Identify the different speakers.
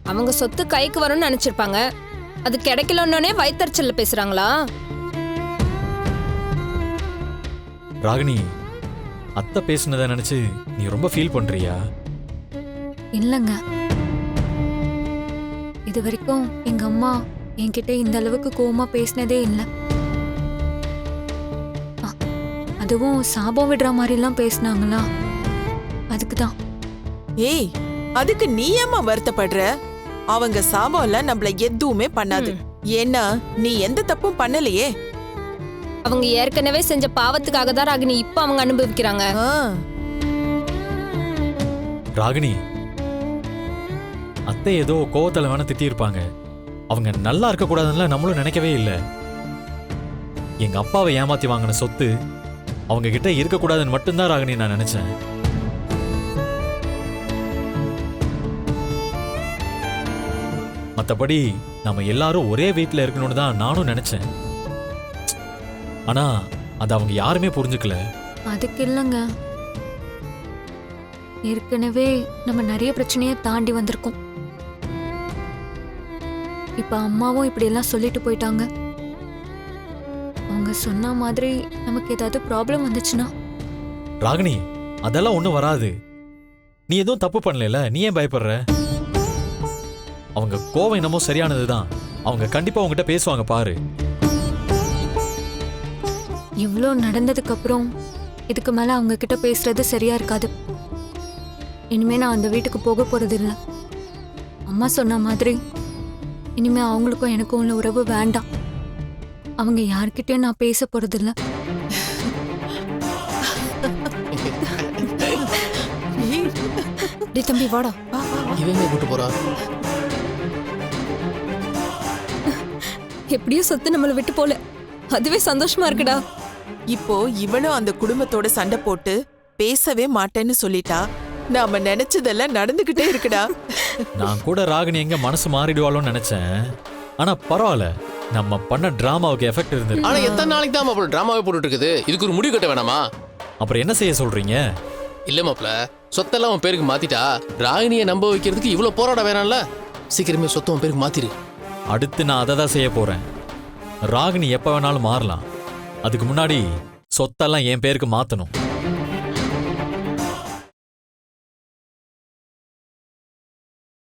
Speaker 1: அவங்க சொத்து கைக்கு வரும்னு நினைச்சிருப்பாங்க. அது கிடைக்கலன்னே வயித்தறிச்சல்ல பேசுறாங்களா?
Speaker 2: ராகினி, அத்தை பேசுனதை நினைச்சு நீ ரொம்ப ஃபீல் பண்றியா?
Speaker 3: இல்லைங்க, இது வரைக்கும் எங்க அம்மா என்கிட்ட இந்த அளவுக்கு கோவமா பேசினதே இல்லை. அதுவும் சாபம் விடுற மாதிரிலாம் பேசினாங்களா, அதுக்குதான்.
Speaker 4: ஏய், அதுக்கு நீ ஏம்மா வருத்தப்படுற? அவங்க சாபம்ல நம்மள எதுவுமே பண்ணாது. ஏன்னா நீ எந்த தப்பும் பண்ணலையே.
Speaker 1: அவங்க ஏற்கனவே செஞ்ச பாவத்துக்காக தான் ராகினி இப்ப அவங்க அனுபவிக்கிறாங்க.
Speaker 2: ராகினி, அத்தை ஏதோ கோவத்துல வேணா திட்டியிருப்பாங்க. அவங்க நல்லா இருக்க கூடாதுன்னு நம்மளும் நினைக்கவே இல்லை. எங்க அப்பாவை ஏமாத்தி வாங்கின சொத்து அவங்க கிட்ட இருக்கக்கூடாதுன்னு மட்டும்தான் ராகினி நான் நினைச்சேன். மற்றபடி நம்ம எல்லாரும் ஒரே வீட்டில் இருக்கணும்னு தான் நானும் நினைச்சேன். ஆனா அது அவங்க யாருமே புரிஞ்சுக்கல.
Speaker 3: அதுக்கு இல்லைங்க, ஏற்கனவே நம்ம நிறைய பிரச்சனையை தாண்டி வந்திருக்கோம். இப்ப அம்மாவும் இப்படி எல்லாம் சொல்லிட்டு போயிட்டாங்க. அவங்க சொன்ன மாதிரி நமக்கு ஏதாவது ப்ராப்ளம் வந்துச்சுன்னா?
Speaker 2: ராகினி, அதெல்லாம் ஒண்ணும் வராது. நீ எதுவும் தப்பு பண்ணல, நீ ஏன் பயப்படுற? அவங்க கோவம் என்னமோ சரியானதுதான். அவங்க கண்டிப்பா உங்ககிட்ட பேசுவாங்க பாரு.
Speaker 3: இவ்வளோ நடந்ததுக்கு அப்புறம் இதுக்கு மேல அவங்க கிட்ட பேசுறது சரியா இருக்காது. இனிமே நான் அந்த வீட்டுக்கு போக போறது இல்லை. அம்மா சொன்ன மாதிரி இனிமே அவங்களுக்கும் எனக்கும் உள்ள உறவு வேண்டாம். அவங்க யார்கிட்டயும் நான் பேச போறது இல்லை.
Speaker 1: தம்பி வாடா.
Speaker 5: இவங்க கூட்டு போறா.
Speaker 1: எப்படியும் சொத்து நம்மளை விட்டு போல, அதுவே சந்தோஷமா இருக்குடா.
Speaker 4: இப்போ இவளும் அந்த குடும்பத்தோட சண்டை போட்டு பேசவே மாட்டேன்னு சொல்லிட்டா. நாம நினைச்சதெல்லாம் நடந்துகிட்டே இருக்குடா.
Speaker 2: நான் கூட ராகினி எங்க மனசு மாறிடுவாளோன்னு நினைச்சேன். ஆனா பரவாயில்ல, நம்ம பண்ண டிராமாவுக்கு எஃபெக்ட் இருந்தது.
Speaker 5: ஆனா எத்தனை நாளைக்கு தான் மாப்பிள்ள டிராமாவே போட்டுட்டு இருக்குது? இதுக்கு ஒரு முடிவு கட்ட வேணாமா?
Speaker 2: அப்புறம் என்ன செய்ய சொல்றீங்க?
Speaker 5: இல்ல மாப்பிள்ள, சொத்தெல்லாம் உன் பேருக்கு மாத்திட்டா ராகினியை நம்ப வைக்கிறதுக்கு இவ்வளவு போராட வேணாம்ல. சீக்கிரமே சொத்தை உன் பேருக்கு மாத்திரு.
Speaker 2: அடுத்து நான் அதை தான் செய்ய போறேன். ராகினி எப்ப வேணாலும் மாறலாம். அதுக்கு முன்னாடி சொத்தெல்லாம் என் பேருக்கு மாத்தணும்.